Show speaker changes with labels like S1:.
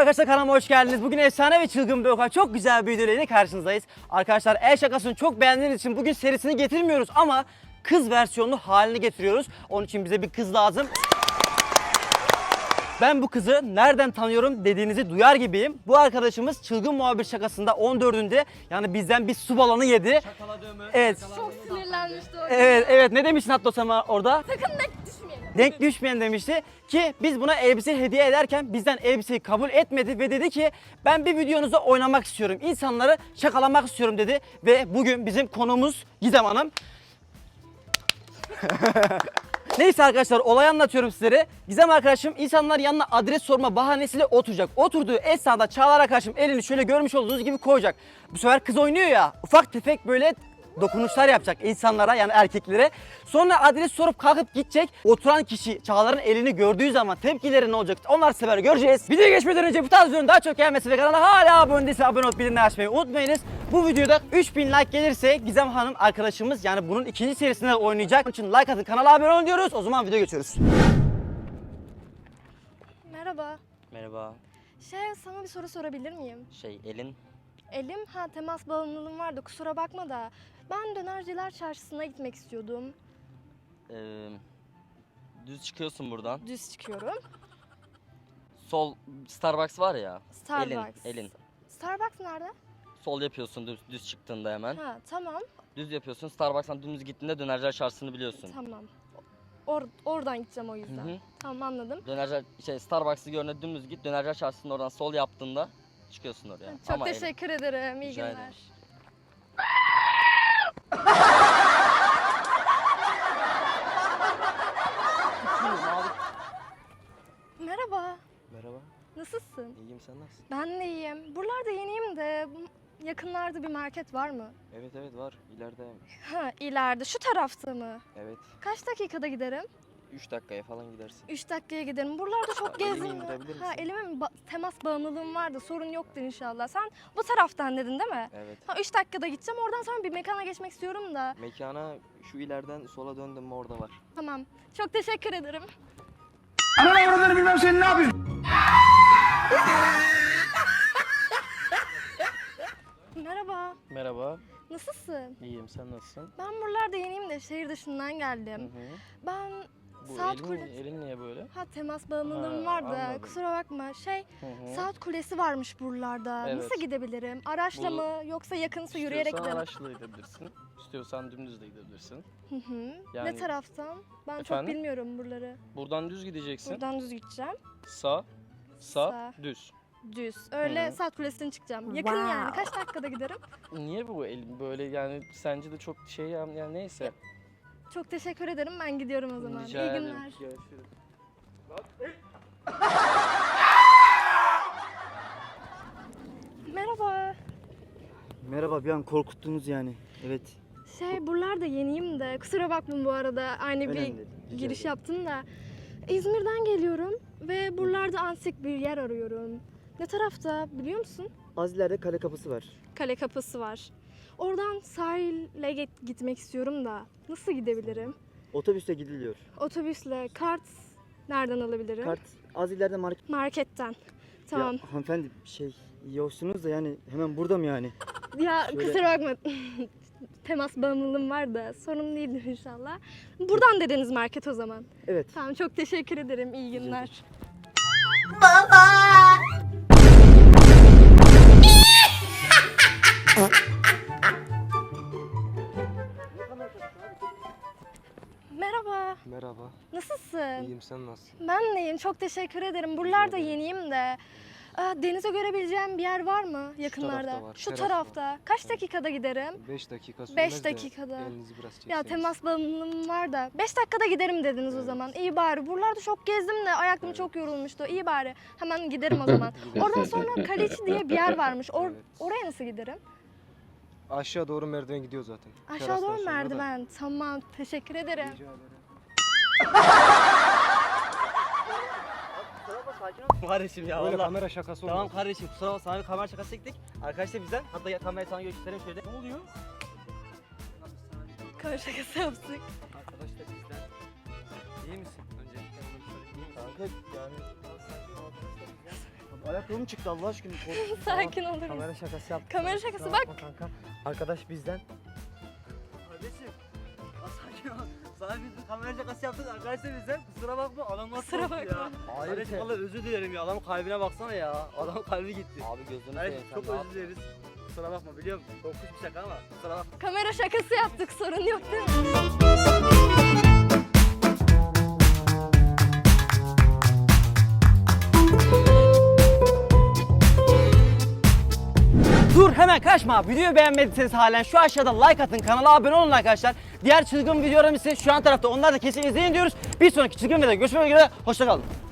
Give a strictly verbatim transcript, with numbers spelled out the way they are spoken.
S1: arkadaşlar, kanalıma hoş geldiniz. Bugün efsane ve çılgın bir oka çok güzel bir video ile karşınızdayız. Arkadaşlar, el şakasını çok beğendiğiniz için bugün serisini getirmiyoruz ama kız versiyonlu halini getiriyoruz. Onun için bize bir kız lazım. Ben bu kızı nereden tanıyorum dediğinizi duyar gibiyim. Bu arkadaşımız çılgın muhabir şakasında on dördünde yani bizden bir su balonu yedi.
S2: Şakaladığı
S1: Evet.
S3: Çok sinirlenmişti o.
S1: Evet, evet. Ne demiştin hatta Sema orada?
S3: Sakın denk düşmeyelim.
S1: Denk düşmeyen demişti ki biz buna elbise hediye ederken bizden elbiseyi kabul etmedi ve dedi ki ben bir videonuzda oynamak istiyorum. İnsanları şakalamak istiyorum dedi ve bugün bizim konuğumuz Gizem Hanım. Neyse arkadaşlar, olayı anlatıyorum sizlere. Gizem arkadaşım insanlar yanına adres sorma bahanesiyle oturacak. Oturduğu esnada Çağlar arkadaşım elini şöyle görmüş olduğunuz gibi koyacak. Bu sefer kız oynuyor ya, ufak tefek böyle dokunuşlar yapacak insanlara, yani erkeklere. Sonra adres sorup kalkıp gidecek. Oturan kişi Çağlar'ın elini gördüğü zaman tepkileri ne olacak? Onlar sefer göreceğiz. Videoya geçmeden önce bu tarz videonun daha çok gelmesi ve kanala hala abone değilse abone olup bildirimleri açmayı unutmayınız. Bu videoda üç bin like gelirse Gizem Hanım arkadaşımız yani bunun ikinci serisinde oynayacak. Onun için like atın, kanala abone olun diyoruz. O zaman videoya geçiyoruz.
S3: Merhaba.
S2: Merhaba.
S3: Şey, sana bir soru sorabilir miyim?
S2: Şey elin.
S3: Elim, ha temas bağımlılığım vardı, kusura bakma da. Ben Dönerciler Çarşısı'na gitmek istiyordum.
S2: Ee, düz çıkıyorsun buradan.
S3: Düz çıkıyorum.
S2: Sol Starbucks var ya.
S3: Starbucks.
S2: Elin. Elin.
S3: Starbucks nerede?
S2: Sol yapıyorsun düz, düz çıktığında hemen.
S3: Ha tamam.
S2: Düz yapıyorsun. Starbucks'tan dümdüz gittiğinde Dönerciler Çarşısı'nı biliyorsun.
S3: Tamam. Or oradan gideceğim o yüzden.
S2: Hı hı.
S3: Tamam, anladım.
S2: Dönerciler şey Starbucks'ı görüne dümdüz git. Dönerciler Çarşısı'nın oradan sol yaptığında çıkıyorsun oraya.
S3: Çok
S2: Ama elin.
S3: teşekkür ederim. İyi
S2: Rica
S3: günler.
S2: ederim.
S3: Merhaba.
S4: Merhaba,
S3: Nasılsın?
S4: iyiyim, sen nasılsın?
S3: Ben de iyiyim. Buralarda yeniyim de bu- yakınlarda bir market var mı?
S4: Evet evet var, ileride.
S3: Ha, ileride. Şu tarafta mı?
S4: Evet,
S3: Kaç dakikada giderim?
S4: üç dakikaya falan gidersin.
S3: üç dakikaya giderim. Buralarda çok
S4: Elimi
S3: gezdim.
S4: indirebilir
S3: Ha,
S4: misin?
S3: elime mi ba- temas bağımlılığım vardı. Sorun yoktur inşallah. Sen bu taraftan dedin değil mi?
S4: Evet.
S3: Ha, üç dakikada gideceğim. Oradan sonra bir mekana geçmek istiyorum da.
S4: Mekana şu ileriden sola döndüm mü orada var.
S3: Tamam. Çok teşekkür ederim.
S5: Ananı avradını bilmem senin ne yapıyorsun?
S3: Merhaba.
S4: Merhaba,
S3: Nasılsın?
S4: iyiyim, sen nasılsın?
S3: Ben buralarda yeniyim de şehir dışından geldim.
S4: Hı.
S3: Ben
S4: Bu
S3: Saat
S4: elin,
S3: Kulesi...
S4: elin niye böyle?
S3: Ha, temas bağımlılığım
S4: Ha,
S3: vardı.
S4: anladım.
S3: Kusura bakma. Şey,
S4: Hı hı.
S3: Saat Kulesi varmış buralarda.
S4: Evet.
S3: Nasıl gidebilrim? Araçla
S4: Bu-
S3: mı yoksa yakınsa yürüyerek
S4: İstiyorsan
S3: gidelim?
S4: araçla gidebilirsin, istiyorsan dümdüz de gidebilirsin.
S3: Hı hı. Ne
S4: Yani-
S3: taraftan? Ben çok
S4: Efendim?
S3: bilmiyorum buraları.
S4: Buradan düz gideceksin,
S3: Buradan düz gideceğim.
S4: sağ, sağ,
S3: Sağ.
S4: düz.
S3: Düz. Öyle
S4: Hı hı.
S3: Saat Kulesi'ne çıkacağım. Yakın yani. Kaç dakikada giderim?
S4: Niye bu el böyle yani sence de çok şey ya- yani neyse.
S3: Çok teşekkür ederim. Ben gidiyorum o zaman.
S4: Rica
S3: İyi
S4: ederim.
S3: günler.
S4: Görüşürüz.
S3: Merhaba.
S1: Merhaba, bir an korkuttunuz yani. Evet.
S3: Şey, buralarda yeniyim de. Kusura bakma bu arada. Aynı
S1: Önemli
S3: bir
S1: değil, rica
S3: giriş
S1: ederim.
S3: yaptım da. İzmir'den geliyorum ve buralarda antik bir yer arıyorum. Ne tarafta biliyor musun?
S1: Az ileride kale kapısı var.
S3: Kale kapısı var. Oradan sahile git- gitmek istiyorum da. Nasıl gidebilirim?
S1: Otobüste gidiliyor.
S3: Otobüsle, kart nereden alabilirim?
S1: Kart az ileride market.
S3: Marketten. Tamam.
S1: Ya hanımefendi, şey iyi hoşsunuz da yani hemen burada mı yani?
S3: Ya,
S1: şöyle-
S3: kusura bakma. Temas bağımlılığım var da sorun değildir inşallah. Buradan dediniz market o zaman.
S1: Evet.
S3: Tamam, çok teşekkür ederim. İyi günler. Merhaba.
S4: Merhaba,
S3: Nasılsın?
S4: iyiyim, sen nasılsın?
S3: Ben de iyiyim. Çok teşekkür ederim. Buralarda yeniyim de. Aa, denize görebileceğim bir yer var mı yakınlarda?
S4: tarafta var,
S3: Şu
S4: teras var.
S3: tarafta. Kaç dakikada giderim?
S4: beş dakika sürmez
S3: Beş
S4: de
S3: dakikada.
S4: elinizi biraz
S3: Ya,
S4: çekseniz.
S3: temas bağımlılığım var da. beş dakikada giderim dediniz o
S4: Evet.
S3: zaman. İyi bari. Buralarda çok gezdim de ayaklarım
S4: Evet.
S3: çok yorulmuştu. İyi bari. Hemen giderim o zaman. Oradan sonra Kaleci diye bir yer varmış. Or-
S4: Evet.
S3: Oraya nasıl giderim?
S4: Aşağı doğru merdiven gidiyor zaten.
S3: Aşağı
S4: Terastan
S3: doğru
S4: sonra da.
S3: merdiven. Tamam. Teşekkür ederim.
S4: Rica ederim.
S1: Kardeşim ya
S4: Böyle
S1: vallahi.
S4: kamera şakası
S1: Tamam
S4: olmaz.
S1: kardeşim, kusura bakma, sana bir kamera şakası çektik. Arkadaşlar bizden, hatta kamerayı sana göstereyim şöyle. Ne oluyor?
S3: Kamera şakası yaptık.
S1: Arkadaş da bizden. İyi misin? Öncelikle bunu sorayım. Kanka yani... Ayakkabım çıktı Allah aşkına.
S3: Sakin olur musun?
S1: Kamera şakası yaptım.
S3: Kamera şakası,
S1: Kusura bakma kanka. Arkadaş bizden. Kardeşim. Ya sakin ol. Sana biz bir kamera şakası yaptık arkadaşlar bizden. Kusura bakma adam nasıl
S3: Kusura
S1: korktu
S3: bakma.
S1: ya. Kardeşim valla özür dilerim ya. Adamın kalbine baksana ya. Adamın kalbi gitti.
S2: Abi gözünü
S1: Kardeşim
S2: seveyim sen
S1: çok
S2: ne
S1: özür
S2: yaptın?
S1: dileriz. Kusura bakma biliyorum. Korkunç bir şaka ama kusura bakma.
S3: Kamera şakası yaptık, sorun yok değil mi?
S1: Dur hemen kaçma. Videoyu beğenmediyseniz halen şu aşağıda like atın. Kanala abone olun arkadaşlar. Diğer çılgın videolarımız ise şu an tarafta. Onlar da kesin izleyin diyoruz. Bir sonraki çılgın videoda görüşmek üzere. Hoşça kalın.